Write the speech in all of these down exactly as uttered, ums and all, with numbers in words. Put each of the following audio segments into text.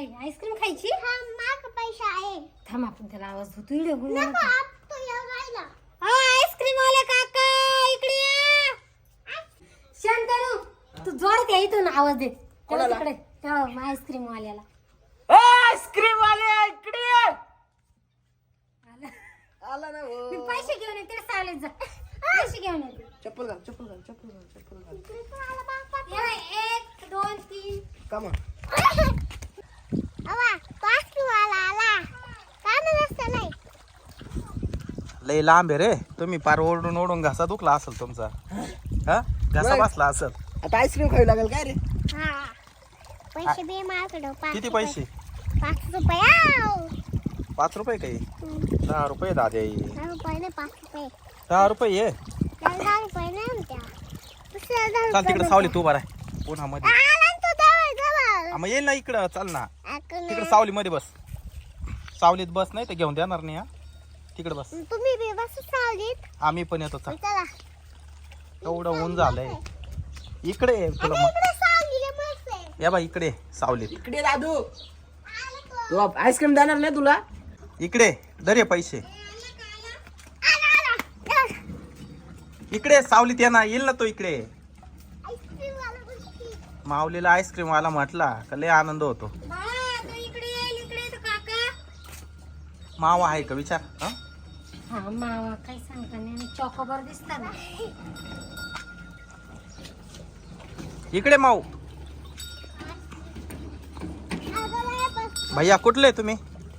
काय आईस्क्रीम खायची? हा माग पैसा आहे. थांब आपण त्याला आवाज देतो. इकडे बोल ना. नको आप तो येऊ राहिला. आईस्क्रीम वाले काका इकडे या. शांतनु तू जोरात या इथून आवाज दे. त्याला तिकडे त्या आईस्क्रीम वाल्याला. आईस्क्रीम वाले इकडे ये. आला. आला ना हो. मी पैसे घेऊन येते रे सावलीत जा. पैसे घेऊन येते. चप्पल घाल चप्पल घाल चप्पल घाल चप्पल घाल. इकडे पण आला बापा. ये बाई, एक दोन तीन. कमा अवा पाच वाला आला. काम नसतं नाही. लय लांब आहे रे. तुम्ही पार ओढून ओढून घासा दुखला असेल तुमचा. हा घासा बसला असेल. आता आईस्क्रीम खावी लागेल काय रे? हा पैसे बे माझ्याकडं पाच किती रुपये. पैसे? पाच रुपये आव. पाच रुपये काही हम्म, दहा रुपये दादे. दहा रुपये नाही पाच रुपये. दहा रुपये ये. त्याला दहा रुपये नाही म्हणत्या. दुसऱ्या दहा चाल रुपये तिकडे सावली तू बरा आहे उन्हामध्ये. आला ना तो जवळ जवळ. हा, मग येईल ना इकडं. चाल ना ऐकून तिकडे सावली मध्ये बस. सावलीत बस नाही तर घेऊन देणार नाही. हा तिकडे बस. तुम्ही बी बस सावलीत. आम्ही पण येतो. चाल चला एवढं ऊन झालंय. इकडे ये तुला मग. इकडे सावलीला मस्त आहे. या बा इकडे सावलीत. इकडे दादू आला तो. तू आईस्क्रीम देणार नाही तुला? इकडे दर पैसे. आला आला. इकडे सावलीत ये ना. येईल ना तो इकडे. आईस्क्रीम वाला गोष्टी. माऊलीला आईस्क्रीम वाला म्हटला का लय आनंद होतो. बाळा तू इकडे येईल. इकडे येतो काका. मावा आहे का विचार. हा हा मावा काही सांगता नाही. चॉकोबार दिसतात ना. इकडे माऊ. अगं बाया बस. भैया कुठले तुम्ही?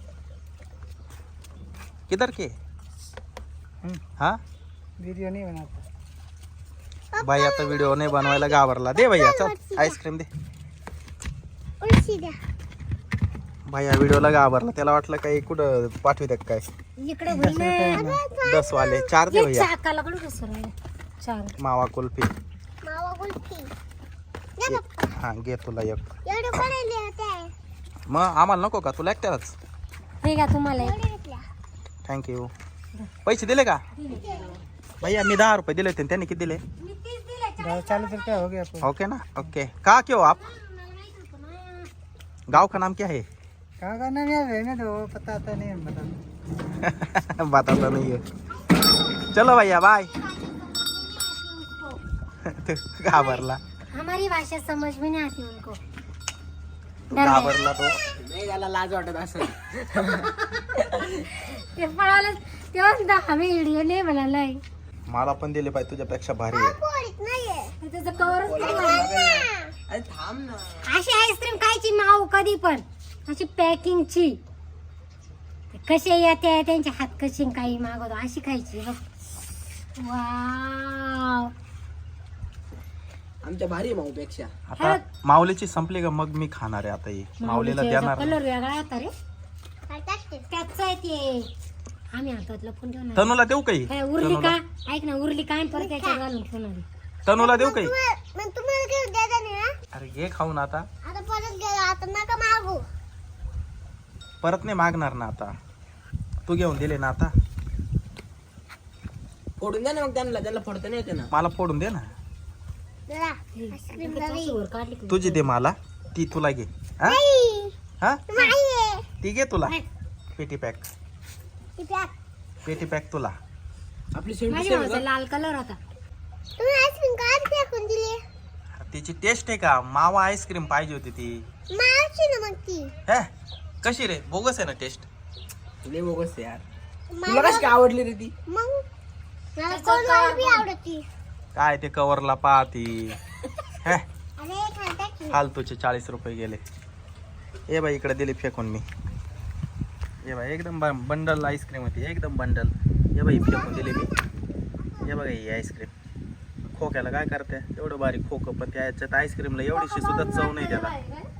किधर के? हाँ वीडियो नहीं बनाता. भैया तर व्हिडिओ नाही बनवायला घाबरला. दे भैया चल आईस्क्रीम दे. उलशी द्या. भैया व्हिडिओला घाबरला. त्याला वाटलं काही कुठं पाठवित काय. इकडे होईल ना. दस वाले चार दे ये भैया. चाकाला कडू घसर चार. मावा कुल्फी. मावा गुलफी. द्या पप्पा. हा घे तुला एक. एवढे कोणाले होते? मग आम्हाला नको का? तुला एकट्यालाच. हे का तुम्हाला एवढे घेतल्या. थँक्यू. पैसे दिले का भैया? मी दहा रुपये दिले होते. त्यांनी किती दिले? मी तीस दिले. चालीस रुपया हो गया. ओके ना. ओके कहाँ के हो आप? गांव का नाम क्या है? कहाँ का नाम याद है ना तो पता आता नहीं बता. बताता नहीं है. चलो भैया बाय. घाबरला. हमारी भाषा समझ में नहीं आती उनको. घाबरला तो. नाही त्याला लाज वाटत असं. ते पळाला तेव्हा आम्ही व्हिडिओ नाही बनालाय. मला पण दिले पाहिजे. तुझ्यापेक्षा भारी आहे. पोळीत नाहीये. त्याचं कवरच नाही बनलं. अरे थांब ना. अशी आईस्क्रीम खायची माऊ कधी पण. अशी पॅकिंगची. कसे येते त्यांचे हात कसे काही मागवतो अशी खायची बघ. वाव. आमच्या भारी भाऊ पेक्षा. आता माऊलीची संपली का मग मी खाणार आहे. आता ही माऊलीला देणार. कलर वेगळा होता रे. काय टाकते? त्याच आहे ते. आम्ही हातात लपून ठेवणार. तनूला देऊ काही? काय उरली का? ऐक ना उरली काय परत त्याच्यात घालून ठेवणार. तनूला देऊ काही? मग तुम्हाला घेऊन द्यायचा नाही ना? अरे घे खाऊन. आता आता परत गेला. आता नका मागू. परत नाही मागणार ना. आता तू घेऊन दिले ना. आता फोडून द्या ना मग त्यांना. त्यांना फोडता नाही येते ना. मला फोडून दे ना. जरा आईस्क्रीम नवी. वर काढली की. तुझी दे मला. ती तुला घे. हा नाही. हा नाहीये. ती घे तुला. पेटी पॅक. ती पॅक. पेटी पॅक तुला. आपली शेवटी माझ्या भावाचा लाल कलर होता. तुम्ही आईस्क्रीम का फेकून दिली? तिची टेस्ट आहे का? मावा आईस्क्रीम पाहिजे होती ती. मावशी ना मग ती. हे कशी रे? बोगस आहे ना टेस्ट. लय बोगस यार. तुला कशी काय आवडली रे ती? मग मला कोण बी आवडती. काय ते कवरला पाहती. हे अरे खाता की. फालतूचे चाळीस रुपये गेले. ए बाई इकडे दिली फेकून मी. ये बाई एकदम बंडल आईस्क्रीम होती. एकदम बंडल. ये बाई फेकून दिली मी. हे बघा ही आईस्क्रीम. खोक्याला काय करते एवढं बारीक खोकं पण त्याच्यात आईस्क्रीमला एवढीशी सुद्धा चव नाही त्याला.